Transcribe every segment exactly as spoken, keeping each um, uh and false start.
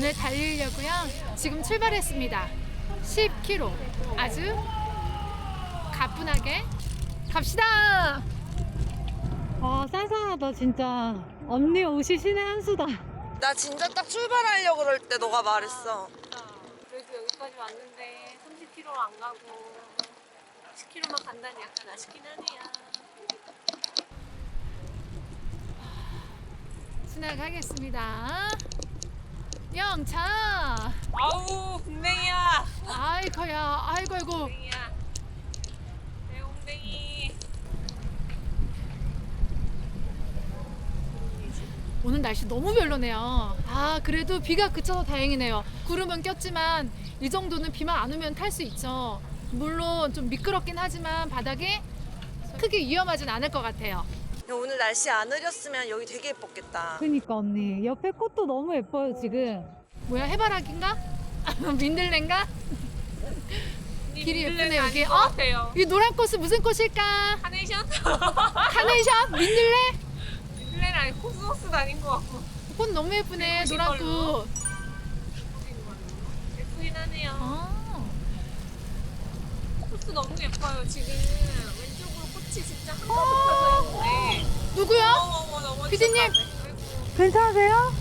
오늘 달리려고요. 지금 출발했습니다. 십 킬로미터. 아주 가뿐하게 갑시다. 와, 쌀쌀하다 진짜. 언니 옷이 신의 한 수다. 나 진짜 딱 출발하려고 그럴 때 너가 말했어. 그래도 여기까지 왔는데 삼십 킬로미터 안 가고 십 킬로미터만 간다니 약간 아쉽긴 하네요. 지나가겠습니다. 영차. 아우 궁뎅이야. 아이고야. 아이고 아이고. 궁뎅이야. 내 궁뎅이. 오늘 날씨 너무 별로네요. 아, 그래도 비가 그쳐서 다행이네요. 구름은 꼈지만 이 정도는 비만 안 오면 탈 수 있죠. 물론 좀 미끄럽긴 하지만 바닥이 크게 위험하진 않을 것 같아요. 오늘 날씨 안 흐렸으면 여기 되게 예뻤겠다. 그니까 언니, 옆에 꽃도 너무 예뻐요 지금. 뭐야, 해바라기인가? 민들레인가? 길이 예쁘네 여기. 어? 같아요. 이 노란 꽃은 무슨 꽃일까? 카네이션? 카네이션? 민들레? 민들레는 아니고 코스모스도 아닌 것 같고. 꽃 너무 예쁘네, 예쁘신 노란 걸로. 꽃. 예쁘긴 하네요. 아, 코스 너무 예뻐요. 지금 왼쪽으로 꽃이 진짜 한가득 펴져 있는데. 누구야? 어머 어머 피디님. 아이고. 괜찮으세요?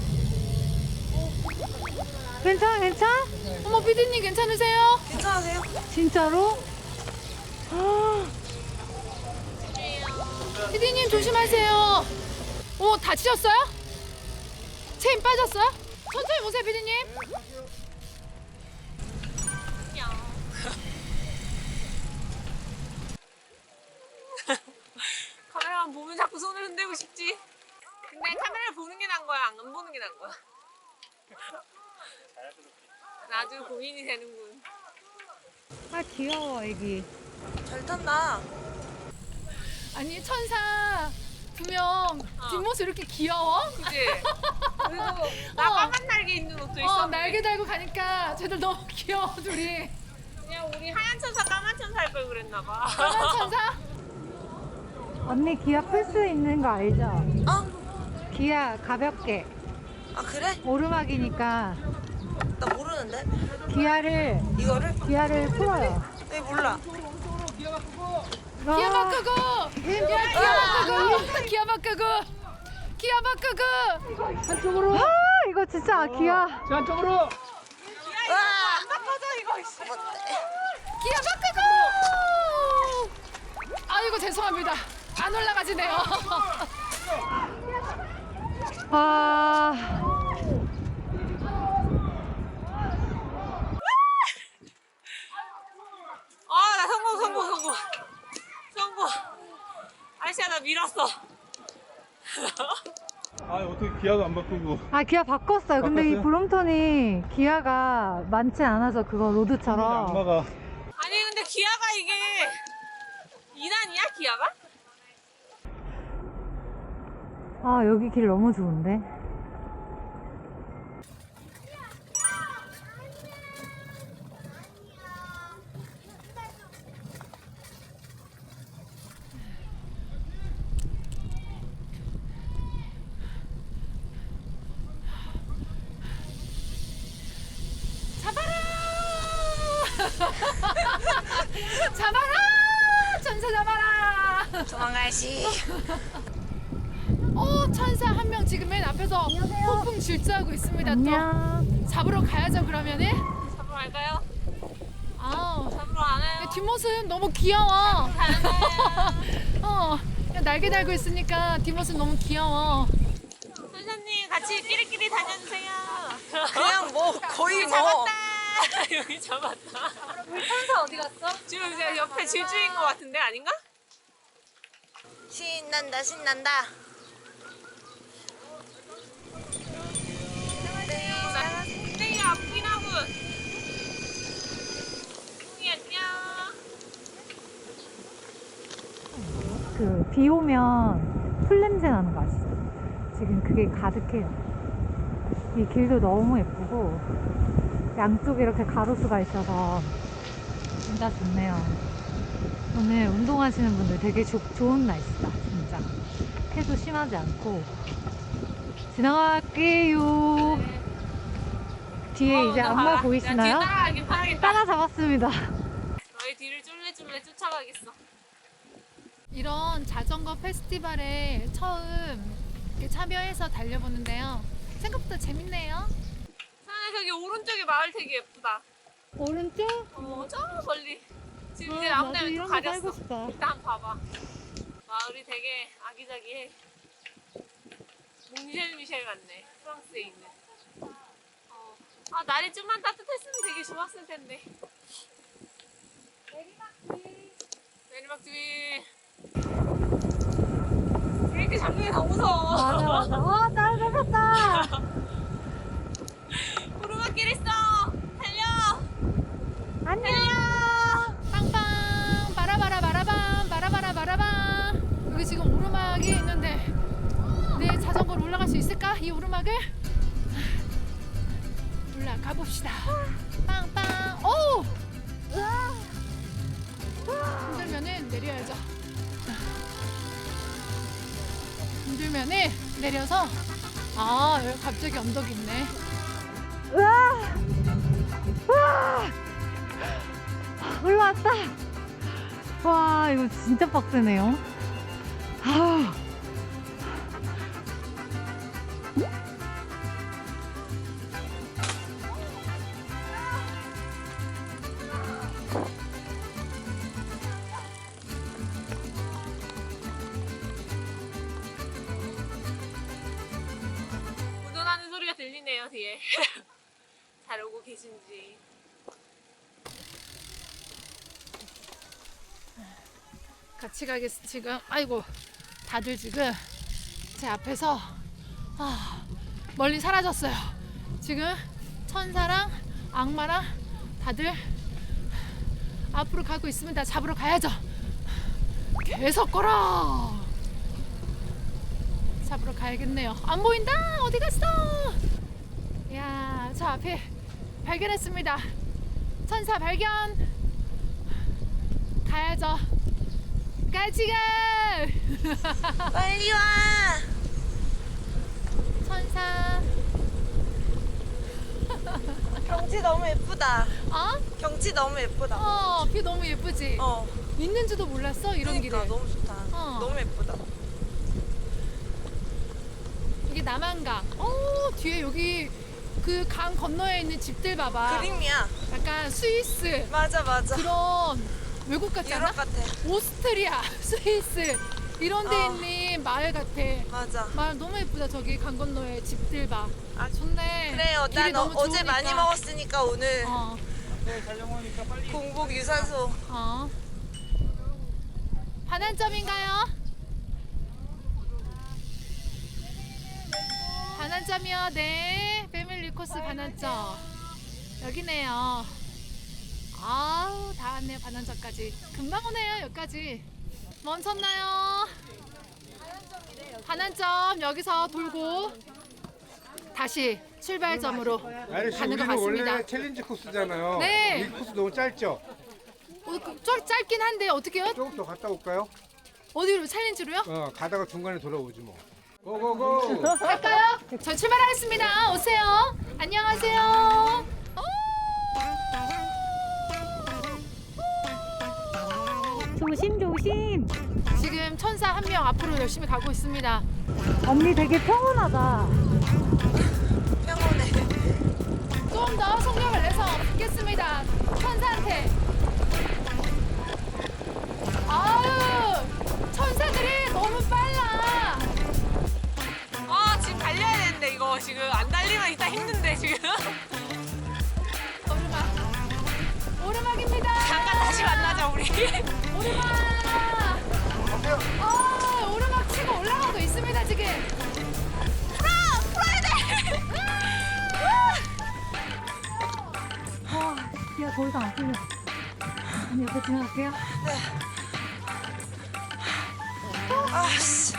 괜찮아, 괜찮아? 어머, 피디님 괜찮으세요? 괜찮으세요? 진짜로? 피디님 조심하세요. 오, 다치셨어요? 체인 빠졌어요? 천천히 오세요, 피디님. 카메라만 보면 자꾸 손을 흔들고 싶지. 근데 카메라를 보는 게 나은 거야, 안 보는 게 나은 거야? 나도 고민이 되는군. 아, 귀여워 애기. 잘 탔나? 아니, 천사 두 명 뒷모습 이렇게 귀여워? 그치? 그리고 나 어. 까만 날개 있는 옷도 어, 있었는데 날개 달고 가니까 쟤들 너무 귀여워 둘이. 그냥 우리 하얀 천사 까만 천사 할 걸 그랬나 봐. 까만 천사? 언니 기아 풀 수 있는 거 알죠? 어? 기아 가볍게 아 그래? 오르막이니까 나 모르는데? 기아를 이거를? 기아를 풀어요. 네 몰라. 기아 바꾸고! 야, 기아 바꾸고! 기아 바꾸고! 기아 바꾸고! 한쪽으로. 아 이거 진짜 기아. 안쪽으로. 와! 안 바꿔줘 이거. 이씨. 기아 바꾸고! 아이고 죄송합니다. 안 올라가지네요. 아 아, 나 성공 성공 성공 성공. 아저씨야 나 밀었어. 아 어떻게 기아도 안 바꾸고. 아, 기아 바꿨어요. 근데 이 바꿨어요? 브롬톤이 기아가 많지 않아서 그거 로드처럼. 악마가. 아니 근데 기아가 이게 이 단이야 기아가? 아 여기 길 너무 좋은데. 잡아라! 천사 잡아라! 도망가야지. 어, 천사 한 명 지금 맨 앞에서 폭풍 질주하고 있습니다. 안녕. 또 잡으러 가야죠 그러면은. 잡으러 갈까요? 아우, 잡으러 안 해요. 뒷모습 너무 귀여워. 가는 어, 그냥 날개 달고 있으니까 뒷모습 너무 귀여워. 선생님 같이 끼리끼리 다녀주세요. 그냥 뭐 거의 뭐. 잡았다. 여기 잡았다. 우리 천사 어디 갔어? 지금 제가 옆에 질주인 것 같은데 아닌가? 신난다 신난다. 굉장히 아프긴 하군. 웅이 안녕. 그 비 오면 풀 냄새 나는 거 아시죠? 지금 그게 가득해요. 이 길도 너무 예쁘고 양쪽에 이렇게 가로수가 있어서 진짜 좋네요. 오늘 운동하시는 분들 되게 조, 좋은 날씨다 진짜. 해도 심하지 않고 지나갈게요. 뒤에 이제 악마 보이시나요? 따라가긴 봐야겠다. 따라잡았습니다. 너희 뒤를 쫄래쫄래 쫓아가겠어. 이런 자전거 페스티벌에 처음 이렇게 참여해서 달려보는데요. 생각보다 재밌네요. 사나 저기 오른쪽에 마을 되게 예쁘다. 오른쪽? 어, 저 멀리. 지금 어, 이제 나도 앞라면 또 이런 거 가렸어. 살고 싶다. 일단 봐봐. 마을이 되게 아기자기해. 몽쉘 미셸 같네. 프랑스에 있는. 어. 아 날이 좀만 따뜻했으면 되게 좋았을 텐데. 내리막길. 내리막길. 이렇게 잡는 게 더 무서워. 맞아, 맞아. 어, 따라잡았다. 오르막길 있어. 달려. 안녕. 빵빵 바라바라 바라밤 바라바라 바라밤. 여기 지금 오르막이 있는데 내 자전거로 올라갈 수 있을까? 이 오르막을 올라가 봅시다. 빵빵. 오! 힘들면은 내려야죠. 힘들면은 내려서 아 여기 갑자기 언덕이 있네. 우와! 우와! 올라왔다. 와, 이거 진짜 빡세네요. 아. 운전하는 소리가 들리네요 뒤에. 잘 오고 계신지. 같이 가겠어 지금. 아이고 다들 지금 제 앞에서 아, 멀리 사라졌어요. 지금 천사랑 악마랑 다들 앞으로 가고 있습니다. 잡으러 가야죠. 계속 걸어. 잡으러 가야겠네요. 안 보인다. 어디 갔어? 야, 저 앞에 발견했습니다. 천사 발견. 가야죠. 같이 가. 빨리 와. 천사. 경치 너무 예쁘다. 어? 경치 너무 예쁘다. 어, 뷰 너무 예쁘지? 어. 있는지도 몰랐어, 이런 그러니까 길에. 너무 좋다. 어. 너무 예쁘다. 이게 남한강. 어, 뒤에 여기 그 강 건너에 있는 집들 봐봐. 그림이야. 약간 스위스 맞아 맞아. 그런 외국 같지 않아? 유럽 같아. 오스트리아, 스위스 이런 데 어. 있는 마을 같아. 맞아. 마을 너무 예쁘다. 저기 강 건너에 집들 봐. 아, 좋네. 그래요. 길이 난 어, 너무 어제 좋으니까. 많이 먹었으니까 오늘 어, 공복 유산소. 어. 반환점인가요? 반환점이요. 네. 패밀리 코스 반환점. 여기네요. 아우, 다 왔네요. 반환점까지. 금방 오네요. 여기까지. 멈췄나요? 반환점 여기서 돌고 다시 출발점으로 아저씨 가는 것 우리는 같습니다. 원래 챌린지 코스잖아요. 네. 이 코스 너무 짧죠? 어, 그, 좀 짧긴 한데 어떻게요? 조금 더 갔다 올까요? 어디로? 챌린지로요? 어 가다가 중간에 돌아오지 뭐. 고고고. 갈까요? 저 출발하겠습니다. 오세요. 안녕하세요. 조심, 조심. 지금 천사 한 명 앞으로 열심히 가고 있습니다. 언니 되게 평온하다. 평온해. 좀 더 속력을 내서 붙겠습니다. 천사한테. 아유, 천사들이 너무 빨라. 아 지금 달려야 되는데 이거 지금 안 달리면 이따 힘든데 지금. 오르막. 오르막입니다. 잠깐 다시 만나자 우리. 오르막. 어, 오르막 치고 올라가고 있습니다 지금. 아, 야, 더 이상 안 풀려. 언니 옆에 지나갈게요. 아씨.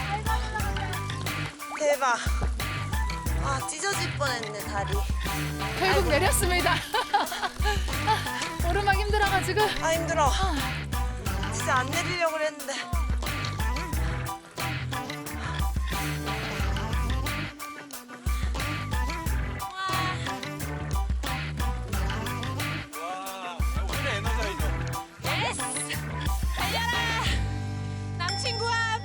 대박. 아 찢어질 뻔했네 다리. 결국 내렸습니다. 오르막 힘들어가지고. 아 힘들어. 진짜 안 내리려고 그랬는데. 예스! 달려라! 남친구함!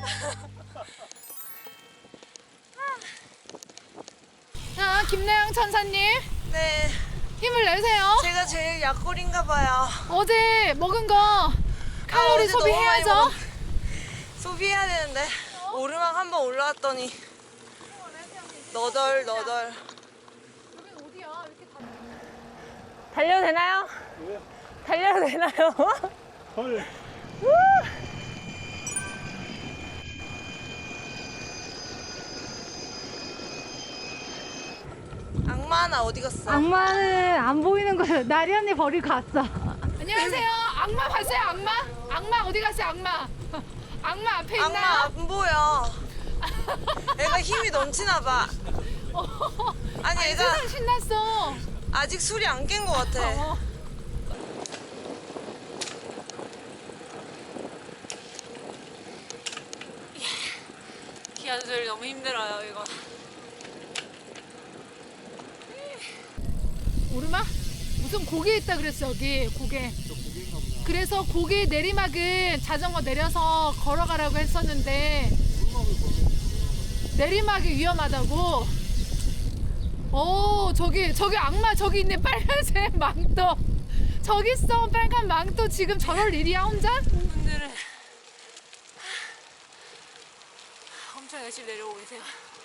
자, 김나영 천사님 네. 힘을 내세요. 제가 제일 약골인가 봐요. 어제 먹은 거 칼로리 어제 너무 많이 소비해야죠. 먹었- 소비해야 되는데 오르막 한 번 올라왔더니 너덜 너덜. 여긴 어디야? 이렇게 다... 달려도 되나요? 달려도 되나요? 헐. 악마 하나 어디 갔어? 악마는 안 보이는 거예요. 나리 언니 버리고 갔어. 안녕하세요. 악마 봤어요? 악마? 악마 어디 갔어요? 악마. 악마 앞에 있나요? 악마 안 보여. 애가 힘이 넘치나 봐. 아니 애가 세상 신났어. 아직 술이 안 깬 것 같아. 어. 기아 조절이 너무 힘들어요, 이거. 오르막? 무슨 고개 있다 그랬어 여기 고개. 그래서 고개 내리막은 자전거 내려서 걸어가라고 했었는데 내리막이 위험하다고. 오 저기 저기 악마 저기 있네. 빨간색 망토 저기 있어. 빨간 망토. 지금 저럴 일이야 혼자? 분들은 엄청 열심히 내려오고 계세요.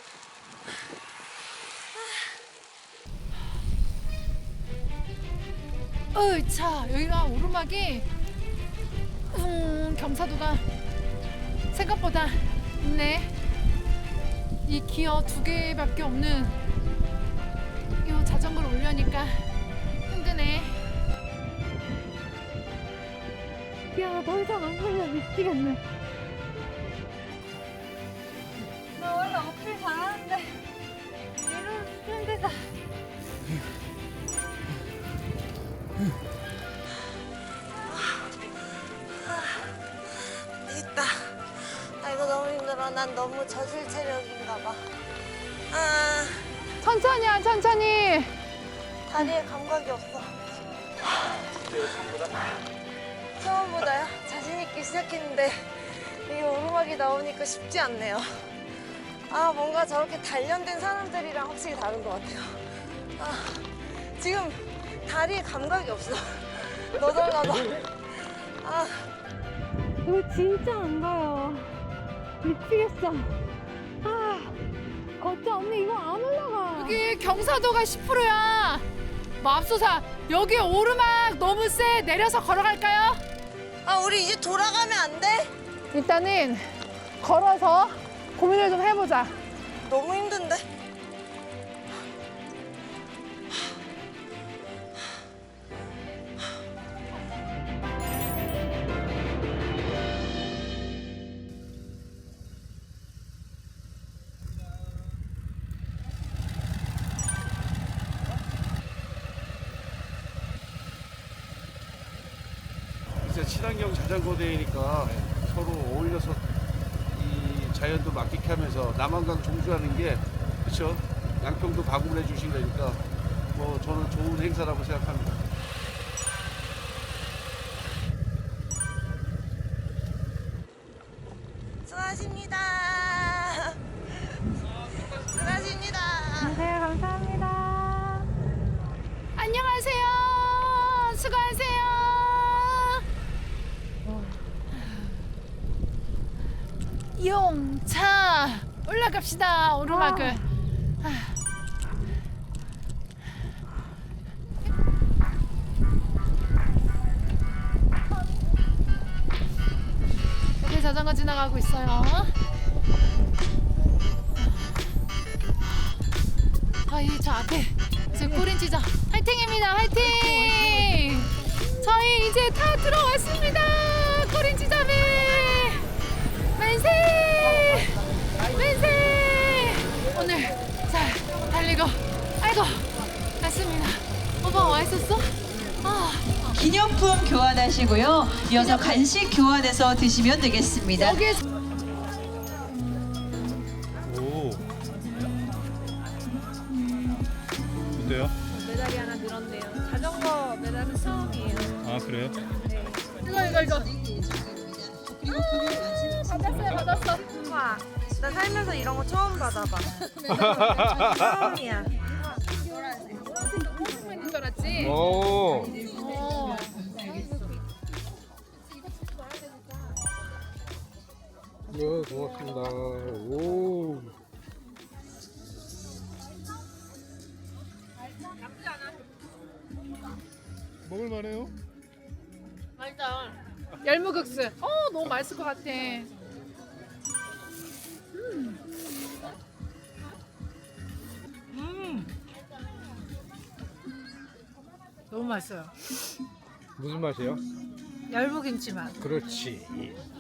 어차 여기가 오르막이 음, 경사도가 생각보다 있네. 이 기어 두 개밖에 없는 이 자전거를 올려니까 힘드네. 야, 더 이상 안 걸려. 미치겠네. 나 원래 어필 잘하는데 이러면 힘들다. 있다. 아 이거 너무 힘들어. 난 너무 저질 체력인가 봐. 아 천천히야 천천히. 다리에 감각이 없어. 처음보다요? 자신 있게 시작했는데 이게 오르막이 나오니까 쉽지 않네요. 아 뭔가 저렇게 단련된 사람들이랑 확실히 다른 것 같아요. 아 지금 다리에 감각이 없어. 너덜너덜. 아 이거 진짜 안 가요. 미치겠어. 아, 걷자 언니 이거 안 올라가. 여기 경사도가 십 퍼센트야. 맙소사 여기 오르막 너무 세. 내려서 걸어갈까요? 아 우리 이제 돌아가면 안 돼? 일단은 걸어서 고민을 좀 해보자. 너무 힘든데? 이제 친환경 자전거 대회니까 서로 어울려서 이 자연도 맡기게 하면서 남한강 종주하는 게 그렇죠. 양평도 가공을 해주신 거니까 뭐 저는 좋은 행사라고 생각합니다. 수고하십니다. 수고하십니다. 네, 감사합니다. 안녕하세요. 수고하세요. 용차 올라갑시다 오르막을. 여기 자전거 지나가고 있어요. 아이 저 앞에 지금 꼬린지죠. 화이팅입니다. 화이팅. 저희 이제 다 들어왔습니다. 꼬린지점에 만세 만세. 오늘 자 달리고 아이고 다시 있습니다. 오빠 와 있었어? 아, 기념품 교환하시고요. 이어서 간식 교환해서 드시면 되겠습니다. 여기에 오. 어때요? 메달이 하나 늘었네요. 자전거 메달은 처음이에요. 아 그래요? 이거 이거 이거. 받았어요, 받았어. 와, 나 살면서 이런 거 처음 받아봐. 처음이야. 보고 있는 줄 알았지? 오. 어. 네, 고맙습니다. 오. 먹을만해요? 맛있다. 열무국수. 어, 너무 맛있을 것 같아. 너무 맛있어요. 무슨 맛이에요? 열무김치 맛. 그렇지.